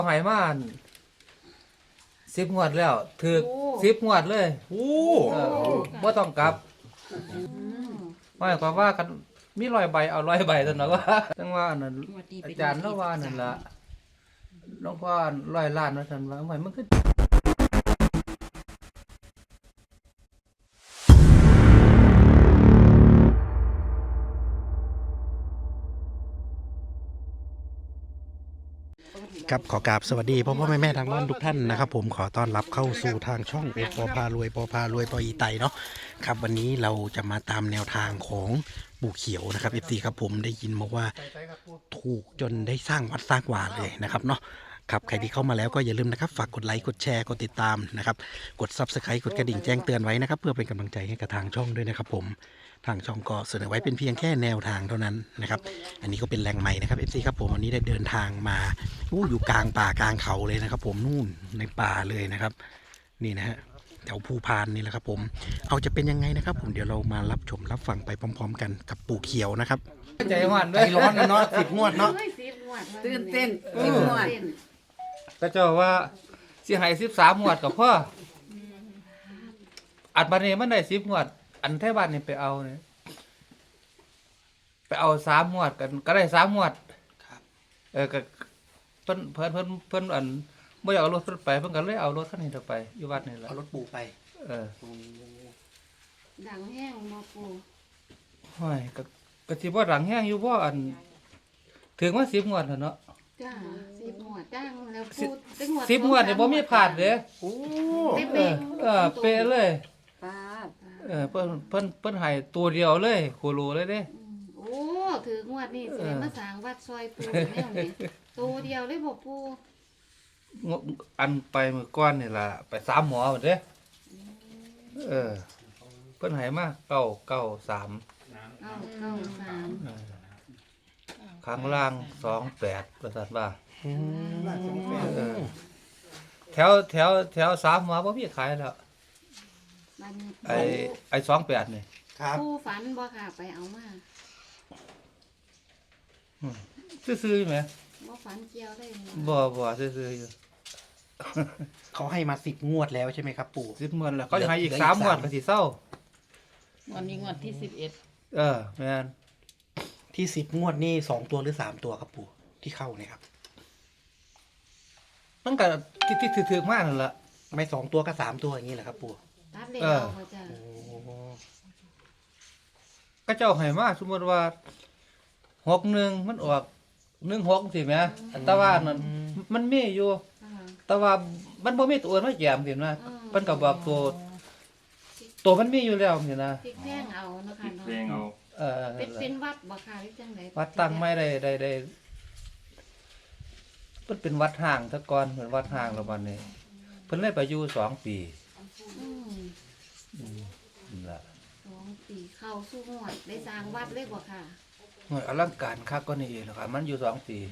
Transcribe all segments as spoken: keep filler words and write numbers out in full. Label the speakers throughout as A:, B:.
A: หายมาสิบงวดแล้วถือสิบงวดเลยโอ้บ่ต้องกลับหมายความว่ากันมีร้อยใบเอาร้อยใบซั่นน่ะว่าจังว่านั่นอาจารย์เนาะว่านั่นล่ะน้องว่าร้อยล้านว่าซั่นว่าหมายมันคือ
B: ครับขอกราบสวัสดีพ่อพ่อแม่แม่ทางบ้านทุกท่านนะครับผมขอต้อนรับเข้าสู่ทางช่องโอปอพารวยปอพารวยปออีไตเนาะครับวันนี้เราจะมาตามแนวทางของปู่เขียวนะครับเอฟซีครับผมได้ยินมาว่าถูกจนได้สร้างวัดสร้างวาเลยนะครับเนาะครับใครที่เข้ามาแล้วก็อย่าลืมนะครับฝากกดไลค์กดแชร์กดติดตามนะครับกด ซับสไครบ์ กดกระดิ่งแจ้งเตือนไว้นะครับเพื่อเป็นกำลังใจให้กับทางช่องด้วยนะครับผมทางช่องก็เสนอไว้เป็นเพียงแค่แนวทางเท่านั้นนะครับอันนี้ก็เป็นแหล่งใหม่นะครับเอฟซีครับผมวันนี้ได้เดินทางมาอู้อยู่กลางป่ากลางเขาเลยนะครับผมนู่นในป่าเลยนะครับนี่นะฮะแถวภูพานนี่แหละครับผมเอาจะเป็นยังไงนะครับผมเดี๋ยวเรามารับชมรับฟังไปพร้อมๆกันกับปู่เขียวนะครับ
A: ใจหวาน
B: ใจร้อนนะเนาะสิบงวดเนาะ
C: ตื่นเต้นสิบงวด
A: ก็เจ้าว่าสิให้สิบสามงวดก็พออัดบัดนี้มันได้สิบงวดอันแท้บ้านนี่ไปเอาเนี่ยไปเอาสามงวดกันก็ได้สามงวดเออก็เพิ่นเพิ่นเพิ่นเพิ่นอันบ่อยากเอารถเพิ่นไปเพิ่นก็เลยเอารถคันนี้เถอะไปอยู่วัดนี่แหละ
B: เอารถปู่ไป
A: เออ
C: ดังแห้งมาปู
A: ห้อยก็ก็สิบ่ดังแฮงอยู่บ่อันถึงว่าสิบงวดแล้วเนาะ
C: จ้าสิบงวดจ้างแล้ว
A: สิ
C: พูดเป็นงวด
A: สิบงวดนี่บ่มีพลาดเด้อ
B: โอ้
A: เออเออเป๊ะเลย
C: ป้าด
A: เออเพิ่นเพิ่นเพิ่นให้ตัวเดียวเลยโคโลเลยเด้
C: อืมโอ้ถืองวดนี่สิมาสร้างวัดซอยปูแนวนี้ตัวเดียวเลยบ่ปู
A: งอันไปมื้อก่อนนี่ล่ะไปสามหมอหมดเด้เออเพิ่นให้มาเก้าเก้าสาม
C: เก้าเก้าสาม
A: เออข้างล่างสองแปดว่าซั่นว่าเออแถวแถวแถวสามหมอบ่มีขายแล้ว
C: บัดนี้
A: ไอ้ไอ้สองแปดนี่
B: ครับ
C: ปูฝันบ่ค่ะไปเอามา
A: ซื่อๆอยู่แหม
C: บ่ฝันเกี่ยวได้บ่
A: บ่บ่ซื่อๆอยู่
B: เขาให้มาสิบงวดแล้วใช่ไหมครับปู่
A: สิบงวดแล้วเขาจะให้อีกสามงวดก็สิเศร้า
D: วันนี้งวดที่สิบเอ็ด
A: เออแม่น
B: ที่สิบงวดนี่สองตัวหรือสามตัวครับปู่ที่เข้าเนี่ยครับ
A: มันก็ที่ที่ถือๆมากนั่นล่ะ
B: ไม่สองตัวก็สามตัวอย่างนี้แหละครับปู่
C: ตัดเลข
A: เออ
C: เอาบ่จ้า
B: โอ้
A: ก็เจ้าให้มาสมมุติว่าหกหนึ่งมันออกหนึ่งหกสิแหมแต่ว่านั่นมันมีอยู่
C: อ่า
A: แต่ว่ามันบ่มีตัวอื่นมาแยมสินะมันก็บอกตัวตัวมันมีอยู่แล้วสินะ
C: พริกแพงเอาเนาะค่ะเนาะ
E: เพลงเอา
A: เออ
C: เป็นเป็นวัดบ่ค่ะหรือจังได๋
A: วัดตั้งไม่ได้ได้ได้มันเป็นวัดห่างแตะก่อนเหมือนวัดห่างแล้วบัดนี้เพิ่นเลยไปอยู่สองปี
C: อืม
A: นั่นล่ะ
C: สองปีเข้าสู่งวดได้สร้างวัดเลยบ่ค่ะ
A: โอ้ยอลังการคักก็นี่เองนะครับมันอยู่สองปี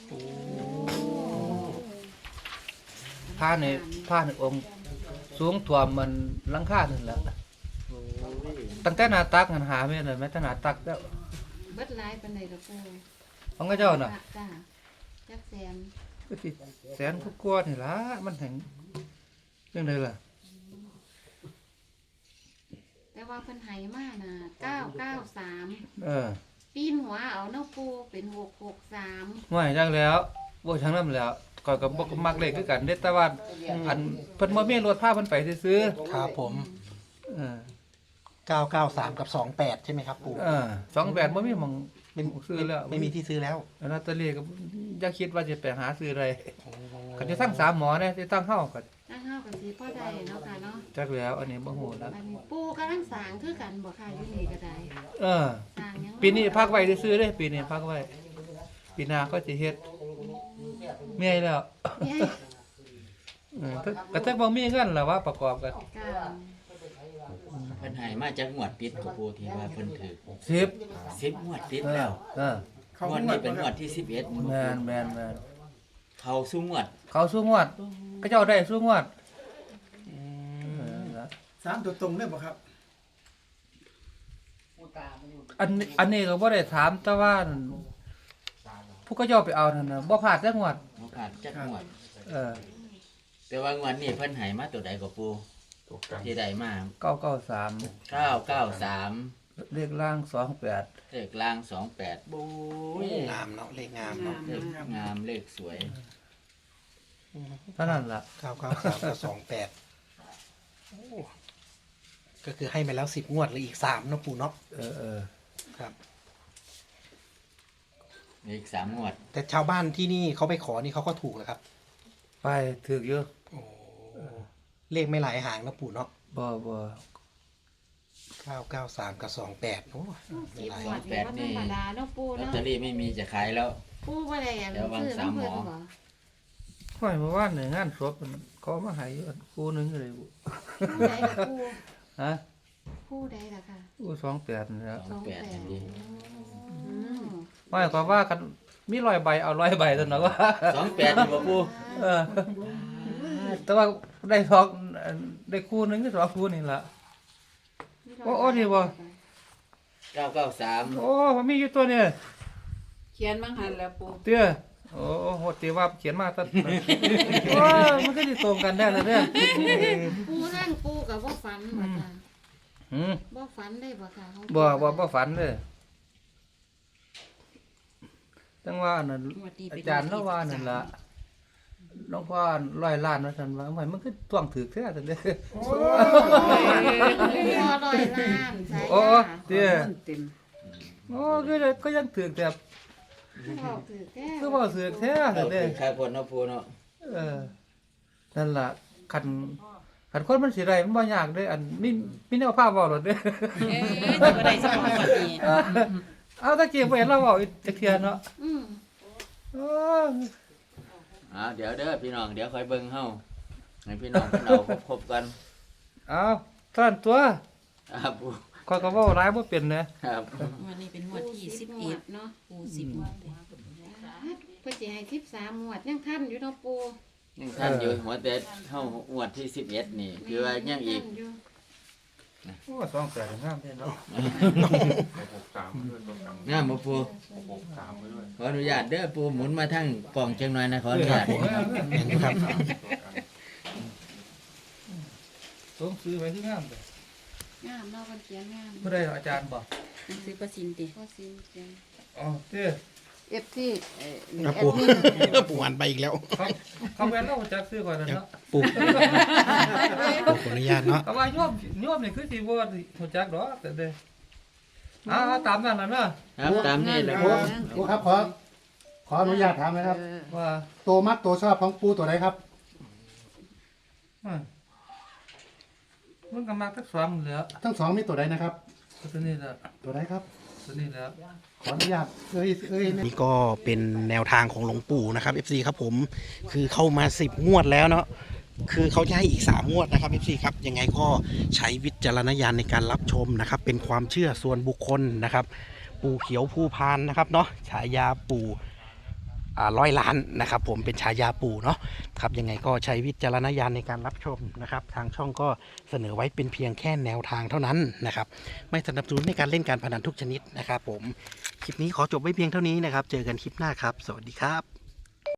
A: ผ้าในผ้าในองค์สูงท่วมมันหลังคานั่นแหละตั้งแต่หน้าตักหันหาไม่เลยแม้แต่หน้าตักแล้ว
C: เบิดหลายปานใดล่ะปู
A: ของเจ้าน่ะ
C: จ้าจักแสน
A: ก็สิแสนกว่านี่ล่ะมันแห่งจังไดล่ะ
C: แต่ว่าเพิ่นให้มาน่ะเก้าเก้าสาม
A: เออ
C: ปีนหัวเอาเนาะปูเป็นหกหกสาม
A: ไม่จังแล้วบ่จังนั้นแล้วก่อยก็บ่มักเลขคือกันเด้แต่ว่าอันเพิ่นบ่มีรถพาเพิ่นไปซื้อ
B: ครับผม
A: ๆเออ
B: เก้าเก้าสามกับสองแปดใช่ไหมครับปู่
A: เออสองแปดบ่มีหม่อง
B: ไม่
A: ซื้อแล้ว
B: ไม่มีที่ซื้อแล้ว
A: ลอตเตอรี่ก็อย่าคิดว่าจะไปหาซื้ออะไรก็จะตั้งสามหมอเนี่ยจะตั้งเฮาก็
C: ตั้งเฮาก็สิพอได้เนาะค่ะเนาะ
A: จักแล้วอันนี้บ่ฮู้แล้ว
C: บัดนี้ปูกำลังสร้างคือกันบ่ค่ะอยู่นี่ก็ได้
A: เออ
C: สร้างหยัง
A: ปีนี้พักไว้ซื้อๆเด้ปีนี้พักไว้ปีหน้าก็สิเฮ็ดเมียแล้ว
C: เย้ย
A: เออถ้าก็ถ้าบ่มีเงินล่ะว่าประกอบกัน
C: ค่ะ
E: เพิ่นให้มาจากงวดติดกับปูที่ว่าเพิ่นถือ
A: สิบ
E: สิบงวดติด
A: เอ
E: แล้
A: อ
E: ว
A: เออง
E: วดนี้เป็นงวดที่สิบเอ็ด
A: แม่นแม่นแม่น
E: เข้าสู่งวด
A: เขาสู้งวดก็เจ้าได้สู้งวดเออนะ
F: สามตัวตรงได้บ่ครับ
A: อันนี้อันนี้ก็บ่ได้ถามแต่ว่าผู้ก็เจ้าไปเอานั่นน่ะบ่พลาดจักงวด
E: บ่ผ่านจักงวด
A: เออ
E: แต่ว่างวดนี้เพิ่นให้มาตัวใดก็ปูที่ใดมา
A: เก้าเก้าสาม
E: เก้าเก้าสาม
A: เลขล่างสองแปด
E: เลขล่างสองแปดบู๊ย
B: งามเนาะเลขงามเนาะ
E: เลขงามเลขสวย
A: เท่านั้นล่ะ
B: เก้าเก้าสามกับสองแปดก็คือให้มาแล้วสิบงวดเหรืออีกสามเนาะปู่เนาะ
A: เออเออ
B: ครับ
E: อีกสามงวด
B: แต่ชาวบ้านที่นี่เขาไปขอนี่เขาก็ถูกแล้วครับ
A: ไปถึกเยอะ
B: โอ้เลขไม่หลายหางนะปู่เนาะ
A: บ่บ่
B: เก้าเก้าสามกับสองแปดโอ้ไม่
C: สิบ
B: หลาย
C: งวดนี่บ่ธรรมดาเนาะปู
E: ลอต
C: เนาะ
E: เตอรี่ไม่มีจะขายแล้ว
C: ปูบ่ได้อัน
E: เดี๋ยววาง
C: ซื้อ
E: สาม
C: น้ำ
E: หม
C: เพิ่
E: อ
C: นบ่
A: ห้อยเมื่อวานเนี่ยงานศพเขามาให้อยู่คู่หนึงเลยบุ
C: ผู้ใดล่ะปู
A: ฮะ
C: ผู้ใดล่ะค่ะ
A: คู่สองแปดนี่แหล้ว
E: สองแปดอันนี้
C: อืม
A: ห้อยก็ว่ากันมีร้อยใบเอาร้อยใบซั่นเนาะว่า
E: สองแปดนี่บ่ปู
A: เออแต่ว่าได้สองได้คู่หนึงก็สองคู่นี่ล่ะ โอ้โอ้นี่บ่
E: เก้าเก้าสาม
A: โอ้มันมีอยู่ตัวเนี่ย
D: เขียนมังหันแล้วปู
A: เตี้ยโอ้โหตีว่าเขียนมาตั้ง โอ้ยมันก็จะตรงกันได้เลยเนี่ย
C: ปูนั่งปูกับบ่ฝันบ่ค่ะ
A: หืม
C: บ่ฝันได้บ่ค่ะของ
A: บ่บ่บ่ฝันเลยจังว่านั่นอาจารย์ละว่านั่นล่ะหลวงพ่อร้อยล้านว่าซั่นว่ามันมันคือท่วงถือแท้ซั่นเด้อ
C: ปูร้อยล้านใช่
A: โอ้
C: ค่ะ
A: เตี้ย
D: เต็ม
A: โอ้ก็เลยก็ยังถือแต่
C: บอกถือแก้
A: คือบ่ถือแท้
E: เอา
A: ซั่น
E: เป็
A: เด้อ
E: นขายผลเนาะปูเนาะ
A: เออนั่นล่ะคันคันคนมันสิได้มันบ่ยากเด้ออันมีมีแนวภาพเว้าหลดเด้อ
D: เอ้ยจะบ่ได้สมองแบบนี้
A: เอาตะกี้บ่เห็นเราเว้าอีกจักเทื่อเนาะ
C: อืม
A: โอ้ย
E: อ่าเดี๋ยวเด้อพี่น้องเดี๋ยวคอยเบิ่งเฮาให้พี่น้องเพิ่นเอาครบๆกัน
A: เอาท่านตัว
E: อ่าปู
A: ข้อยก็เว้าหลายบ่เป็นเด้
E: ครับ
D: วันนี้เป็นงวดที่สิบเอ็ดเนาะปูสิบงวดเลย
C: เพิ่นสิให้สิบสามงวดยังทันอยู่เนาะปู
E: ยังท่านอยู่หัวแต่เฮางวดที่สิบเอ็ดนี่คือว่ายังอีก
C: ทันยู่
A: โอ้สองแปดงามเด้เนาะ
E: งามบ่ปูขออนุญาตเด้อปูหมุนมาทางกล่องจังหน่อยนะขออนุญาต
B: เห็นไหมครับ
A: สงซื้อไว้คืองามเด้
C: งามเนาะเพิ่นเขียนงาม
A: บ่ได้อาจารย์บ่
D: หนังสือประสินติ
C: ก็สิเขียน
A: อ๋อเด้อ
C: เอฟที่เอ่อ
B: ครับ
C: แอ
B: ปู่
C: ดมิน
B: ปู่หันไปอีกแล้ว
A: เขาเขาแม่นเราจักซื้อก่อนนั่นเนาะ
B: ปู่ปู่ขออนุญาตเนาะ
A: เขาว่าโยมโยมนี่คือสิบ่รู้จักดอกแต่เด้อเอาเอาตามนั้นน่ะเนาะ
E: ครับตามนี้แหละ
F: ครูครูครับขอขออนุญาตถามนะครับ
A: ว่า
F: ตัวมักตัวชอบของปูตัวไหนครับ
A: ว่ามันก็มักทั้งสองแหล้ว
F: ทั้งสองมีตัวไหนนะครับ
A: ตัวนี้แหละ
F: ตัวไหนครับ
A: ตัวนี้แหล้ว
F: ขออนุญาตเอ้ยเอ้ย
B: นี่ก็เป็นแนวทางของหลวงปู่นะครับ เอฟ ซี ครับผมคือเข้ามาสิบงวดแล้วเนาะคือเขาจะให้อีกสามงวดนะครับ เอฟ ซี ครับยังไงก็ใช้วิจารณญาณในการรับชมนะครับ เป็นความเชื่อส่วนบุคคลนะครับ ปู่เขียวผู้พานนะครับเนาะฉายาปู่อ่าร้อยล้านนะครับ ผมเป็นฉายาปู่เนาะครับยังไงก็ใช้วิจารณญาณในการรับชมนะครับ ทางช่องก็เสนอไว้เป็นเพียงแค่แนวทางเท่านั้นนะครับ ไม่สนับสนุนในการเล่นการพนันทุกชนิดนะครับ ผมคลิปนี้ขอจบไว้เพียงเท่านี้นะครับ เจอกันคลิปหน้าครับ สวัสดีครับ